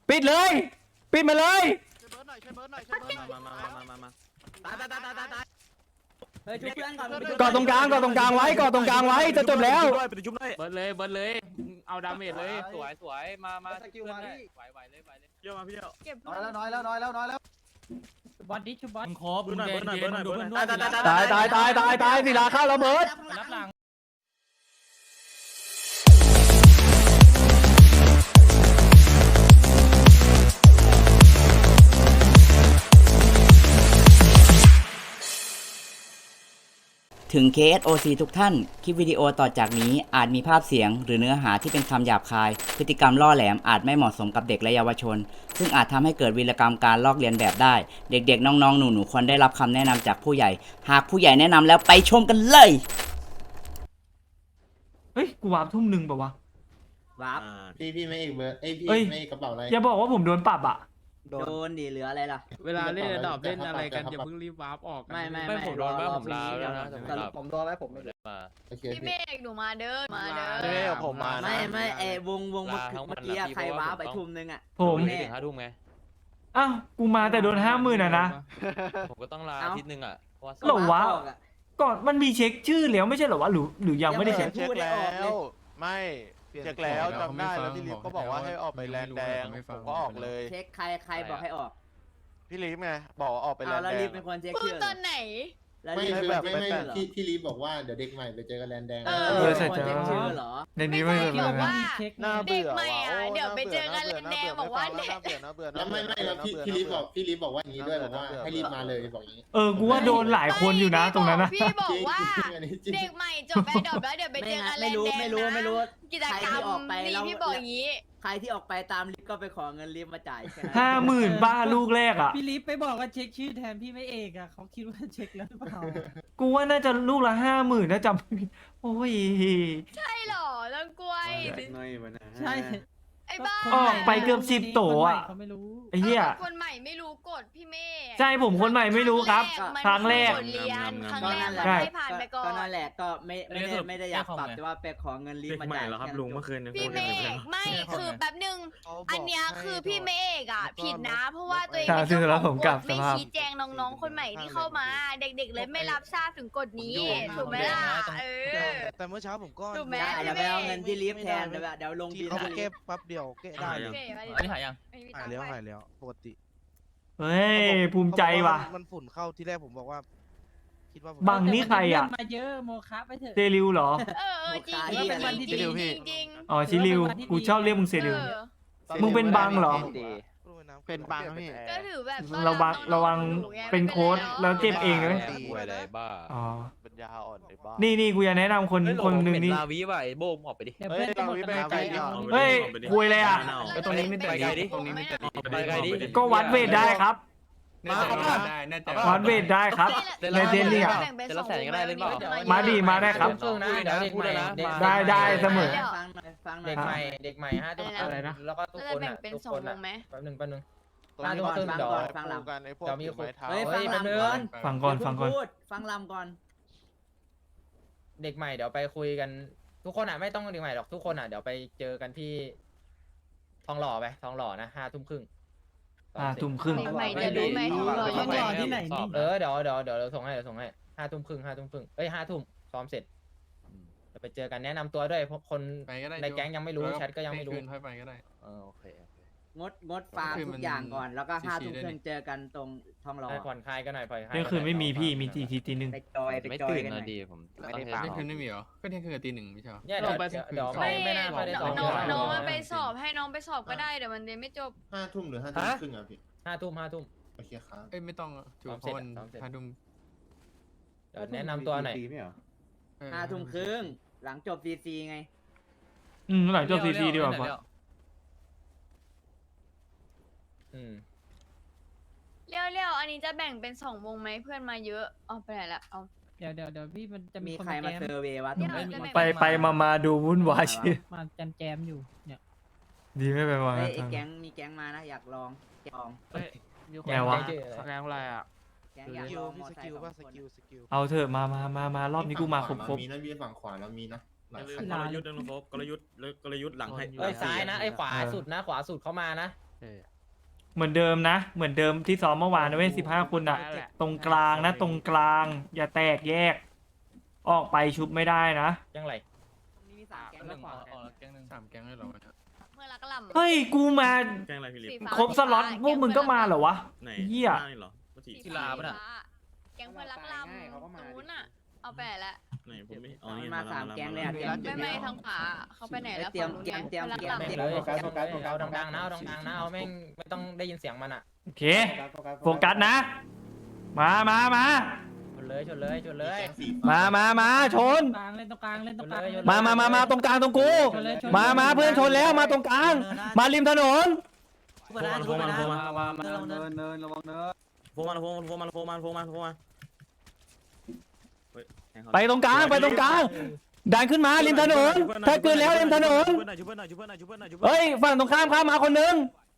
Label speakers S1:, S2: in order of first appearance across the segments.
S1: ปิดเลยปิดมาเลยกอดตรงกลางกอดตรงกลางไว้กอดตรงกลางไว้จะจบแล้ว
S2: เบิร์ดเลยเอาดาเมจเลยสวยมาสกิลมาดิไหวเลยเยอะมาพี่เยอะ
S3: น้อยแล้ว
S4: บอลดิชูบอล
S2: ครบเบิร์ดหน่อย
S1: ตายศิลาเข้าระเบิด
S4: รับหลัง
S5: ถึง KSOC ทุกท่าน คลิปวิดีโอต่อจากนี้อาจมีภาพเสียงหรือเนื้อหาที่เป็นคำหยาบคาย พฤติกรรมล่อแหลมอาจไม่เหมาะสมกับเด็กและเยาวชน ซึ่งอาจทำให้เกิดวีรกรรมการลอกเลียนแบบได้ เด็กๆ น้องๆ หนูๆ ควรได้รับคำแนะนำจากผู้ใหญ่ หากผู้ใหญ่แนะนำแล้วไปชมกันเลย
S1: เฮ้ยกูวาร์ปทุ่มหนึ่งป่าวะ
S5: วาร์ป
S3: พี่ไม่เอกเบอร์พี่ไม่เอกกระเป๋าอะไร
S1: อย่าบอกว่าผมโดนปรับอ่ะ
S5: โดนดิเหลืออะไรล่ะ
S2: เวลาเล่นดอบเล่นอะไรกันอย่าเพิ่งรีบวาร์ปออกไม่ผมโดนว่าผมลาแล้วนะ
S3: ผมโดนแล้วผมไม่ได้มา
S6: พี่เมฆหนูมาเด้อมาเด้อ
S2: ไม่ผมมา
S5: ไม่วงเมื่อกี้ใครวาร์ปไปทุ่มนึงอ่ะ
S1: ผม
S2: ไม่ถึง5 ทุ่มไง
S1: อ้าวกูมาแต่โดน50,000นะ
S2: ผมก็ต้องลาอาทิตย์นึงอ่ะเพราะว่า
S1: หรอวะก่อนมันมีเช็คชื่อแล้วไม่ใช่เหรอวะหรือยังไม่ได้เช็ค
S7: เช็คแล้วไม่เช็คแล้วจำได้แล้วพี่ลิฟก็บอกว่าให้ออกไปแลนแดงผมก็ออกเลย
S5: เช็คใครบอกให้ออก
S7: พี่ลิฟไงบอกออกไปแลนแดง
S5: แล้วลิฟเป็นคนเช็ค
S6: พูด
S5: ชื่อ
S6: ตอนไหน
S3: ไม่พี่ลีบอกว่าเดี๋ยวเด็กใหม่ไปเจอกันแลนแดง
S5: ใช่เช็คชื่อเหรอ
S1: ในนี้ไม่
S6: พี่บอกว่า
S7: น่า
S6: เด็
S7: เบื่
S6: ก
S7: อ
S6: ใหม่อ่ะเดี๋ยวไปเจอกันแลนแดงบอกว่าเด็ก
S3: แล้วไม่แล้วพี่ลีบอกว่าอย่างนี้ด้วยบอกว่าให้รีบมาเลยบอกอย่างนี้
S1: กูว่าโดนหลายคนอยู่นะตรงนั้นนะ
S6: พี่บอกว่าเด็กใหม่จบไปดอบแล้วเดี๋ยวไปเจอกันแลนแดง
S5: ไม่รู้
S6: กิจกรรมนี่พี่บอกอย่างนี้
S5: ใครที่ออกไปตามลิฟต์ก็ไปขอเงินลิฟต์มาจ่ายแค่นั้น
S1: 50,000บ้าลูกแรกอ่ะ
S4: พี่ลิฟไปบอกว่าเช็คชื่อแทนพี่ไม่เอกอ่ะเขาคิดว่าเช็คแล้วหรือเปล่า
S1: กูว่าน่าจะลูกละ50,000นะจำไม่ผิดโอ้ย
S6: ใช่หรอลังกวย
S4: ใช่
S6: ไอ้บ้า
S1: ออกไปเกือบ10 โตอ่ะ
S4: เขาไม่รู้
S1: ไอ้เหี้ย
S6: คนใหม่ไม่รู้กฎพี่เมฆ
S1: ใช่ผมคนใหม่ไม่รู้ครับครั้งแรก
S6: บทเรียนครั้ง
S5: ก็
S6: แร
S5: นั่
S6: ก
S5: นแหละ
S6: ให้ผ่านไปก่อน
S5: ก็นั่นแหละก็ไม่ได้อยากปรับแต่ว่าไปขอเงินลิฟต์มาจ่ายแค่นั้น
S6: พี่เมฆไม่คือแป๊บนึงอันเนี้ยคือพี่เมฆอ่ะผิดนะ เพราะว่าตัวเอง
S1: ซึ่งแล้วผมกลับส
S6: ไม่
S1: ภาพ
S6: ชี้แจงน้องๆคนใหม่ที่เข้ามา เด็กๆเลยไม่รับทราบถึงกฎนี้ถูกไหมล่ะ
S7: แต่เมื่อเช้าผมก็
S6: ถูกไหม
S5: เดี๋ยวไปเอาเงินที่ลิฟต์แทนเดี๋ยวลงบิน
S7: เขาเก็บปั๊บเดียวเก็บได้
S6: โอเค
S2: อันนี้หายยัง
S7: หายแล้วปกติ
S1: เฮ้ยภูมิใจว่ะ
S7: มันฝุ่นเข้าที่แรกผมบอกว่าคิดว่า
S1: บังนี่ใครอ่ะ
S4: มาเยอะโมคะไปเถอะ
S1: เซริวเหรอ
S6: จริงจริง
S1: อ๋อชิริวกูชอบเรียกมึงเซริว มึงเป็นบังเหรอ
S7: เป็นบังพี่
S6: ก็ถือแบบ
S1: ระวังเป็นโค้ดแล้วเจ็บเองเลย
S2: ป่วยอะไรบ้า
S1: อ๋อ
S7: ปัญญาอ่อนในบ้า
S1: นี่กูจะแนะนำคนหนึ่งนี่
S2: ลาวิว่ะไอ้โบมออกไปดิ
S4: เดี๋ยวเพื่อนจะหมดกำลังใจแล้ว
S1: เฮ้ยคุยเลยอ่ะ
S2: ตรงนี้ไม่แต่ดิตรงนี้ไม่แต่ไปไกลดิ
S1: ก็วัดเวทได้ครับ วัดเวทได้ครับ ในเทนนี่อ่ะ
S2: จะรับแสนก็ได้เล่นเปล่า
S1: มาดีมาได้ครับ
S2: พูดนะ
S1: ได้เสมอ
S5: ฟังหน่
S8: เด็
S5: อย
S8: กใหม่ทุกคน
S1: อะไรนะ
S8: แล้วก็ทุก
S6: เรา
S8: คน
S6: จะแบ่ง
S8: อ่ะ
S6: เป็น
S8: ทุก
S6: สอ
S8: ค
S6: ง
S8: น
S6: ว
S8: อ่ะ
S6: งไหม
S8: แป๊บนึง
S5: ฟังก่อนฟังก่อนฟังลำ
S7: กันไอ้พวก
S8: มี
S7: ไม้เท้า
S5: เฮ้ย
S8: ฟังลำ
S1: ฟังก่อน
S5: ฟังลำก่อน
S8: เด็กใหม่เดี๋ยวไปคุยกัน ทุกคนอ่ะไม่ต้องเด็กใหม่หรอกทุกคนอ่ะเดี๋ยวไปเจอกันที่ทองหล่อไปทองหล่อนะ5 ทุ่มครึ่ง
S1: ทุ่มครึ่ง
S6: เด็กใหม่จะรู้ไหมท้องหล่อยังไง
S4: ที่ไหนนี่
S8: เดี๋ยวส่งให้5 ทุ่มครึ่งเอ้ย5 ทุ่มซ้อมเสร็จไปเจอกันแนะนำตัวด้วยเพราะคนในแก๊งยังไม่รู้แชทก็ยังไม่รู้
S2: ค่อยไปก็ได้โอเค
S5: งดฟาร์มทุกอย่างก่อนแล้วก็5 ทุ่มครึ่งเจอกันตรงทองหล่อ
S8: ผ่อนคลายกันหน่อยผ่อนคลาย
S1: เที่ยงคืนไม่มีพี่มีตีหนึ่ง
S5: ไปจอย
S2: ไม่
S5: กัน
S2: ตื่น
S5: หน่
S2: นะ
S5: อย
S2: ดีผม
S8: ไม่ได้ฟัง
S2: คืนไม่มีเหรอก็เที่ยงคืนกับตี 1ไม่ใช่
S8: เนี่ยเดี๋ยวไม่น่าค่อยได้สอน
S6: น้องมันไปสอบให้น้องไปสอบก็ได้เดี๋ยวมันเรียนไม่จบ
S3: 5 ทุ่มหรือ5 ทุ่มครึ่งอ่ะพี่
S8: 5 ทุ่ม
S3: โอเคครับ
S2: เอ้ยไม่ต้องถือเพราะวันพาดุม
S8: เดี๋ยวแนะนำตัวหน่อย
S5: 5 ทุ่มครึ่งหลังจบซีไง
S1: หลังจบซีดีกว่า
S6: เลี้ยวอันนี้จะแบ่งเป็น2 วงไหมเพื่อนมาเยอะเอาไปไหนละเอา
S4: เดี๋ยวพี่มันจะมี
S5: มี
S4: คน
S5: ใครมาเซอร์เวย์วะ
S1: ไปมาดูวุ่นวายชิ
S4: มาแจมอยู่เนี่ย
S1: ดีไม่ไปมา
S5: ไอ้แก๊งมีแก๊งมานะอยากลองลอง
S1: ไงวะ
S2: แรงอะไรอ่ะ
S5: แก๊งอยาก
S7: สกิ
S5: ล
S7: ล
S5: อง
S7: มี
S5: มอ
S7: ส
S5: ไซ
S7: กิล
S5: ค์
S7: ป่ะ
S5: 2 คน
S7: สกิล
S1: เอาเถอะมารอบนี้กูมาครบ
S3: มีนะพี่ฝั่งขวาแล้วมีนะหลายคัน
S2: กลยุทธ์นะลุงโฟกกลยุทธ์หลังให้
S8: ซ้ายนะไอ้ขวาสุดนะขวาสุดเข้ามานะ
S1: เหมือนเดิมนะ เหมือนเดิมที่ซ้อมเมื่อวานนะเว้ย15 คนอะตรงกลางนะตรงกลาง อย่าแตกแยก ออกไปชุบไม่ได้นะ
S8: ยังไร
S6: มีสามแก๊งแล้ว
S2: 3 แก๊งเลยเหรอ
S6: เมื่อรักลำ
S1: เฮ้ยกูมา
S9: แกงอะไรพี่ลิฟ
S6: สีฟ้า
S1: ครบสล็อตพวกมึงก็มาเหรอวะ
S9: ไหน
S1: เหี้ย
S9: หน้านี่เหรอว่าที่
S2: กีฬาปะน่ะ
S6: แก๊งเพื่อนรักลำตรงนู้นอ่ะ เอาไปไหนละ
S9: ไหนผมไม่อ๋อนี่
S5: มาสามแก๊งเลยอะ
S6: ไม่ทางขวาเขาไปไหนแล้ว
S5: เตรียม
S6: ฝั่ง
S5: เตรียมเตรียม
S6: พื่อน
S5: เตรียม
S6: รัก
S8: แม่ง
S6: ลำ
S8: เลยเอาดังๆนะเอาดังๆนะเอาแม่งไม่ต้องได้ยินเสียงมันอ่ะ
S1: โอเค โฟกัสนะ มา
S8: ชนเลย
S1: มาชน
S4: กลางเล่นตรงกลางเล่นตรงกลาง
S1: มาตรงกลางตรงกู
S4: ชนเลยชน
S1: มาเพื่อนชนแล้วมาตรงกลาง มาริมถนน
S9: โฟมันโฟมันโฟมัน
S2: เนินระวังเนิน
S9: โฟมันโฟมันโฟมันโฟมันโฟมันโฟมัน
S1: ไปตรงกลางดันขึ้นมาริมถนนถ้าเกินแล้วริมถนน
S9: ชุบเพื่อนหน่อยชุบเพื่อนหน่อยชุบเพื่อนหน่อยชุบเพื่อนหน่อย
S1: เฮ้ยฝั่งตรงข้ามมาคนนึง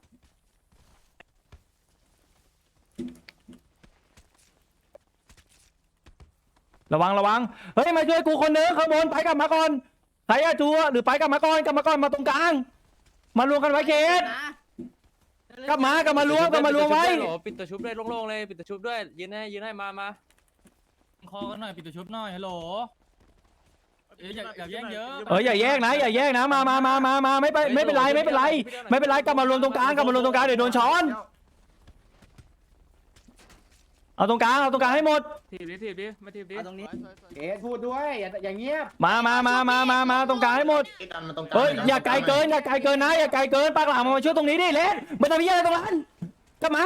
S1: ระวังเฮ้ยมาช่วยกูคนนึงข้างบนไปกลับมาก่อนใครอะจูหรือไปกลับมาก่อนมาตรงกลางมารวมกันไว้เคสกลับมารวมไว้
S2: ปิดตัวชุบด้วยโล่งๆเลยปิดตัวชุบด้วยยืนให้มา
S4: คอกันหน่อยปิดตัวชุบหน่อยฮัลโหลอย่าแย่งเยอะ
S1: อย่าแยกนะมาไม่เป็นไรกลับมารวมตรงกลางเดี๋ยวโดนช้อนเอาตรงกลางให้หมด
S2: ถีบดิมาถีบดิ
S5: ตรงนี้
S3: เอ๊ะพูดด้วยอย่างเงียบ
S1: มาตรงกลางให้หมด
S3: ดันมาตรงกลาง
S1: เฮ้ยอย่าไกลเกินนะอย่าไกลเกินปากหลังมาช่วยตรงนี้ดิเล่นไม่ต้องมีอะไรตรงนั้นกลับมา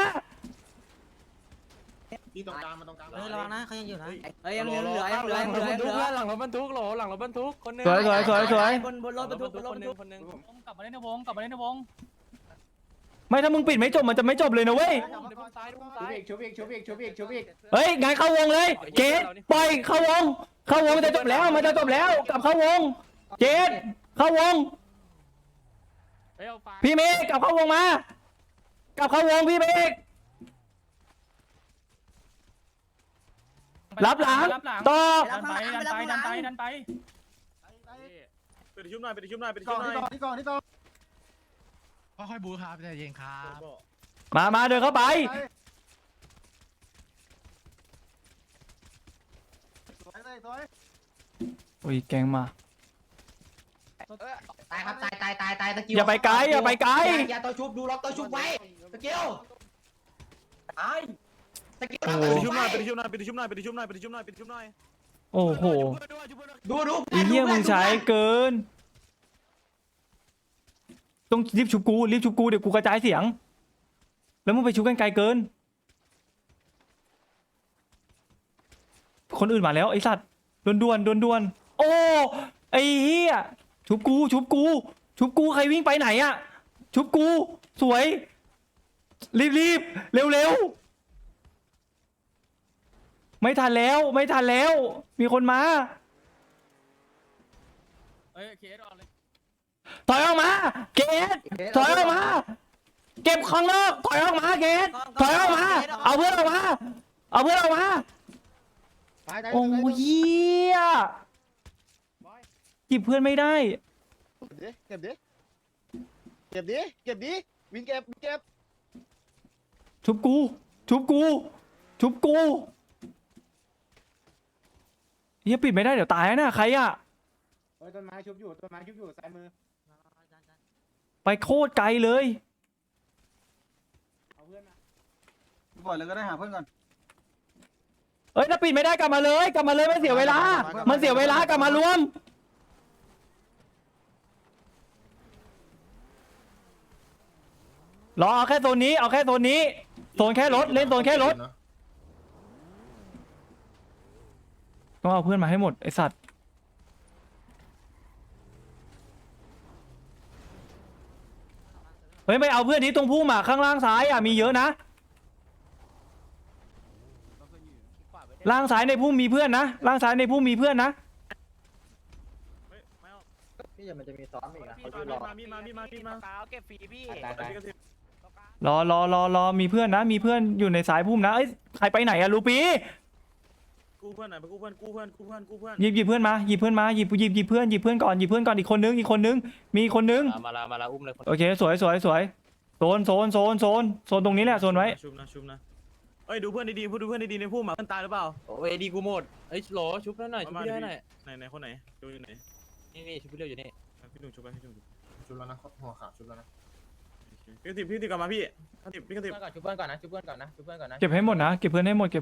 S3: ที่ตรงกลางมาตรงกลาง
S5: ระวังนะเขายังอยู่นะเฮ้ยยังเหลือ
S2: หลังรถบรรทุกคนนึง
S1: สวย
S5: บนรถบรรทุก
S2: คนนึง
S4: กลับมาเล่นในวงกลับมาเล่นในวง
S1: ไม่ถ้ามึงปิดไม่จบมันจะไม่จบเลยนะเว้ย
S3: ชุบอีก
S1: เฮ้ยงานเข้าวงเลยเจดปล่อยเข้าวงมันจะจบแล้วกลับเข้าวงเจดเข้าวงพี่เมฆกลับเข้าวงมากลับเข้าวงพี่เมฆรับหลังต่อ
S4: ดันไป
S9: ไปชุบหน่อยไปชุบหน่อย
S3: ที่ก่อน
S1: ค่อยบูครับใจเย็นครับมาเดินเข้าไปโอ้ยแกงมา
S5: ตายครับตายตะกิ้ว
S1: อย่าไปไกล
S5: อย่าตัวชุบดูล็อกตัวชุบไว้ตะกิ้วตายตะกิ้ว
S1: โอ้
S9: ไปชุบหน่อยไปชุบหน่อยไปชุบหน่อยไปชุบหน่อยไปชุบหน่อยไปชุบหน่อย
S1: โอ้โห
S5: ดู
S1: ไอ้เหี้ยมึงใช้เกินต้องรีบชุบกูเดี๋ยวกูกระจายเสียงแล้วมึงไปชุบกันไกลเกินคนอื่นมาแล้วไอ้สัตว์ด่วนโอ้ไอ้เหี้ยชุบกูใครวิ่งไปไหนอะชุบกูสวยรีบเร็วไม่ทันแล้วมีคนมาถอยออกมาเกตถอยออกมาเก็บข้างนอกถอยออกมาเกตถอยออกมาเอาเพื่อนออกมาโอ้เหี้ยจิบเพื่อนไม่ได้
S3: เก็บดิวินเก็บ
S1: ชุบกูเฮียปิดไม่ได้เดี๋ยวตายนะใครอะ
S3: ต้นไม้ชุบอยู่ซ้ายมือ
S1: ไปโคตรไกลเลย
S3: เอาเพื่อนมา
S2: ปล่อยเลยก็ได้หาเพื่อนก่อน
S1: เอ้ยถ้าปิดไม่ได้กลับมาเลยไม่เสียเวลากลับมารวมรอเอาแค่โซนนี้โซนแค่รถเล่นโซนแค่รถต้องเอาเพื่อนมาให้หมดไอสัตว์เฮ้ยไม่เอาเพื่อนนี้ตรงพุ่มอ่ะข้างล่างซ้ายอ่ะมีเยอะนะล่างซ้ายในพุ่มมีเพื่อนนะล่างซ้ายในพุ่มมีเพื่อนนะ
S8: พี่มันจะมีซ้อมอีกนะเขาจะรอ
S2: เปล่าเก็บฟรีพี่
S1: รอมีเพื่อนนะมีเพื่อนอยู่ในสายพุ่มนะเอ้ยใครไปไหนอะลูปี
S9: กู้เพื่อนหน่อยไปกู้เพื่อน
S1: หยิบเพื่อนมาหยิบเพื่อนก่อนอีกคนนึงมีคนนึง
S2: มาละอุ้มเลย
S1: โอเคสวยโซนตรงนี้แหละโซนไว้
S9: ชุบนะเอ้ยดูเพื่อนดีๆพูดดูเพื่อนดีๆในพุ่มเพื่อนตายหรือเปล่า
S2: โอ้ยดีกูหมดเอ้ยโหลชุบหน่อยชุบพี่หน่อย
S9: ไหนคนไหนดูอยู่ไหน
S2: นี่ชุบพี่เร็วอยู่นี่
S9: พี่ดุงชุบไปพี่ดุง
S3: ชุบแล้วนะหัวขาวชุบแล้วนะ
S9: พี่ติกลับมาพี่พี่กระติบ
S8: ชุบเพื่อนก่อนนะชุบเพื่อนก่อนนะ
S1: เก็บให้หมดนะเก็บเพื่อนให้หมด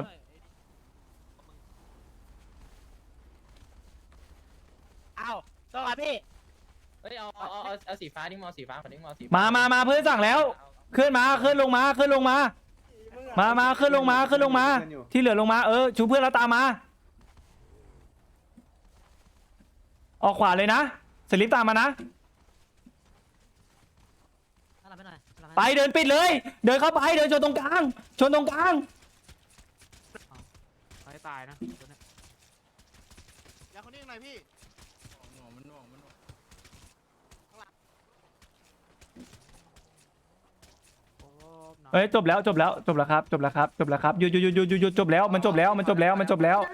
S2: อ้าวสวัสดีพี่
S8: เฮ้ยเอาสีฟ้านี่มอสีฟ้าคนนี้มอสี
S1: มาเพื่อนสั่งแล้วขึ้นลงมามาขึ้นลงมาที่เหลือลงมาชูเพื่อนแล้วตามมาออกขวาเลยนะสลิปตามมานะไปเดินปิดเลยเดินเข้าไปเดินชนตรงกลาง
S2: ไม่ตายนะ
S7: อย่าคนนี้หน่อยพี่
S1: เฮ้ยจบแล้วครับหยุดจบแล้วมันจบแล้ว
S6: จบแล้วค่ะ
S1: มันจบแล้ว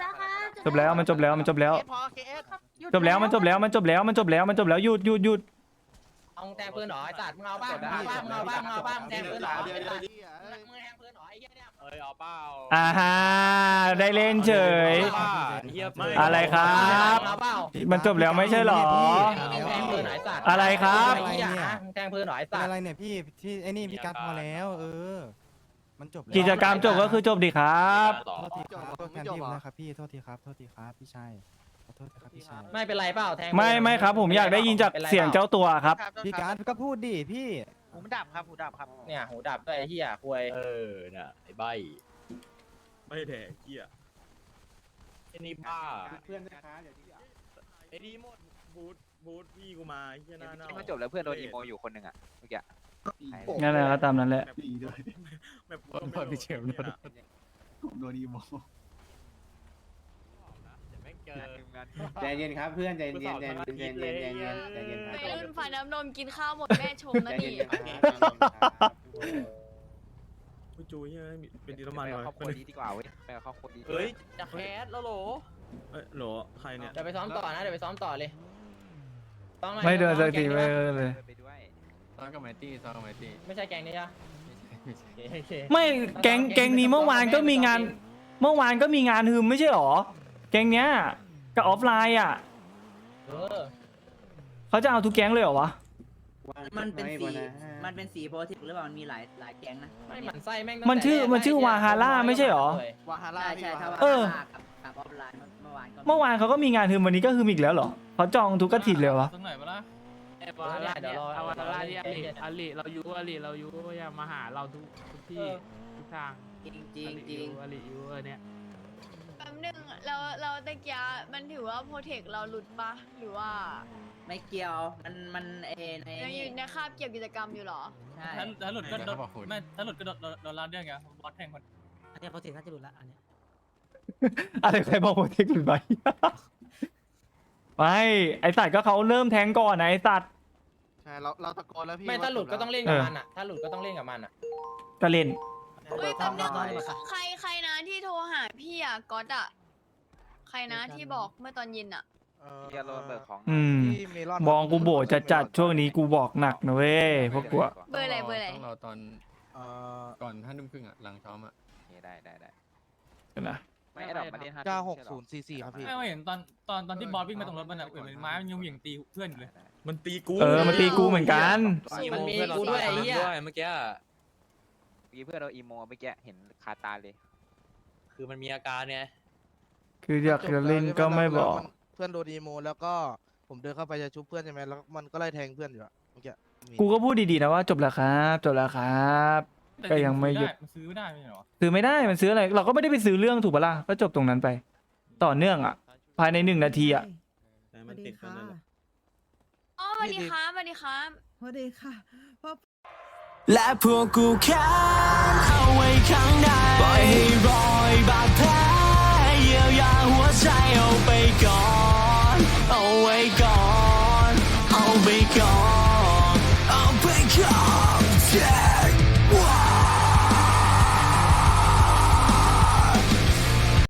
S1: หยุด
S8: เอาแทงปืนหรอไอ้สัตว์มึงเอาบ้างแทงปืนหรอมึงแทงปืนหรอไอ้เหี้ยเนี่ย
S2: เอ้ยเอาเปล่า
S1: อ่าฮะได้เล่นเฉยอะไรครับ
S8: เอาเปล่า
S1: มันจบแล้วไม่ใช่หรอ
S8: แทงปืนหรอไอ้สัตว์
S1: อะไรครับ
S8: แทงปืนหรอไอ้สัตว์
S10: อะไรเนี่ยพี่ที่ไอ้นี่พี่การพอแล้วมันจบแล้ว
S1: กิจกรรมจบก็คือจบดิครับ
S10: โทษทีครับโทษแทนพี่นะครับพี่โทษทีครับพี่ชายขอโทษครับพี่ชาย
S8: ไม่เป็นไรเปล่าแทง
S1: ไม่ครับผมอยากได้ยินจากเสียงเจ้าตัวครับ
S10: พี่การก็พูดดิพี่
S8: หูดับครับเนี่ยหูดับด้วยไอ้เหี้ยควย
S2: น่ะไอ้ใบ
S9: ไม่แดกเกี้ย
S2: ไอ้นี่บ้า
S3: เพื่อนนะคะเดี๋ยวที่
S2: ไอ้ดีหมด
S9: บูธพี่กูมาเฮียหน้าเน่า
S11: มันจบแล้วเพื่อนโดนอีโมอยู่คนหนึ่งอ่ะเมื่อกี้
S1: งั้นแหละก็ตามนั้นแหละ
S3: ดีด้วย
S9: แบบพี่เชมส์
S3: ผมโดนอีโม
S2: ไม่เจอ
S3: ใจเย็นครับเพื่อนใจเย็นครับ
S6: ไปรุ่นฝ่ายน้ำนมกินข้าวหมดแม่ชมนะนี่
S9: ผู้จูเฮียเป็นดีน้ำมัน
S11: ไป
S9: เล
S11: กับ
S9: ย
S11: ครอบครัวดีดีกว่าเว้ยไปกับครอบครัวดี
S2: เฮ้ยจะแคสแล้วโหล
S9: โหลใครเนี่ย
S8: เดี๋ยวไปซ้อมต่อนะเดี๋ยวไปซ้อมต่อเลย
S1: ไม่เดินสักทีไม่เลย
S11: ไปด้วย
S8: ไม่ใช่แกงนี้จ้ะ
S1: ไม่แก๊งนี้เมื่อวานก็มีงานฮืมไม่ใช่หรอแก๊งเนี้ยกับออฟไลน์อ่ะเขาจะเอาทุกแก๊งเลยเหรอวะ
S5: มันเป็นสีโพธิหรือเปล่ามันมีหลายแก๊งนะ
S8: ไม่หมั่นไส้แม่ง
S1: มันชื่อวาฮาร่าไม่ใช่หรอ
S7: วาฮาร่า
S5: ใช่ถ้าว่า
S1: เออ
S5: กับออฟไลน์เมื่อวานก็
S1: เมื่อวานเขาก็มีงานฮืมวันนี้ก็ฮืมอีกแล้วเหรอเขาจองทุกกระถิ่นเลยวะ
S2: ตรงไหนมาล่ะไอ้บอลเดี๋ยวรอเอาวันละที่อลิเรายุอย่ามาหาเราทุกที่ทุกทาง
S5: จริง
S2: อลิยูเนี่ย
S6: แป๊บนึงเราตะกี้มันถือว่าโปรเทคเราหลุดปะหรือว่า
S5: ไม่เกี่ยวมันใน
S6: ยังอยู่ในคาบเกี่ยวกิจกรรมอยู่หรอ
S5: ใช่
S2: ถ้าหลุดก็โดนไม่ถ้าหลุดก็โดนลาเรื่องไงบอสแทงคน
S4: อันนี้โปรเทคน่าจะหลุดละอันเนี้ย
S1: อะไรใครบอกโปรเทคหรือไม่ ไม่ไอสัตว์ก็เขาเริ่มแทงก่อนนะไอสัตว์
S7: ใช่เราตะโกนแล้วพี่
S8: ไม่ถ้าหลุดก็ต้องเล่นกับมันอ่ะถ้าหลุดก็ต้องเล่นกับมันอ่ะ
S1: ก็เล่น
S6: เฮ้ยแป๊บนึงใครนะที่โทรหาพี่อ่ะก๊อตอ่ะใครนะที่บอกเมื่อตอนเย็นอ่ะ
S11: เฮียโรนเบิกของ
S7: ที่เมลอน
S1: บองกูโบจัดช่วงนี้กูบอกหนักนะเว้ยพวกกูอะ
S6: เบอร์อะไร
S11: ต้องรอตอน
S7: ก่อน5 ทุ่มครึ่งอ่ะหลังซ้อมอ่ะ
S11: ได้
S1: นะ
S11: ไม่ดอกมาเล่น
S7: 96044ครับพี่
S2: ไม่เห็นตอนที่บอสวิ่งมาตรงรถมันเหมือนไม้มันยังเหวี่ยงตีเพื่อนอยู่เลย
S9: มันตีกู
S1: มันตีกูเหมือนกัน
S8: มันมีกูด้วยไอ้เหี้ย
S2: เมื่อกี้
S11: เพื่อนเราอีโมเมื่อกี้เห็นคาตาเลย
S2: คือมันมีอาการเนี่ย
S1: คืออยากจะเล่นก็ไม่บอก
S7: เพื่อนโดนอีโมแล้วก็ผมเดินเข้าไปจะชุบเพื่อนใช่ไหมแล้วมันก็ไล่แทงเพื่อนอยู่อะเมื่อกี้
S1: กูก็พูดดีๆนะว่าจบแล้วครับ ก็ยังไม่หยุด
S2: มันซื้อไม่ได้ไม่ใช่หรอ
S1: ซื้อไม่ได้มันซื้ออะไรเราก็ไม่ได้ไปซื้อเรื่องถูกปะล่ะก็จบตรงนั้นไป ต่อเนื่องอะภายใน1 นาทีอะ
S9: มันติดกันเลย
S6: อ๋อสวัสดีครับสวัสดีครับ
S4: สวัสดีค่ะ
S12: และพวกกูแค้นเอาไว้ข้างในปล่อยให้รอยบาดแผลเยียวยาหัวใจเอาไปก่อนเอาไว้ก่อนเอาไปก่อนเอาไปก่อน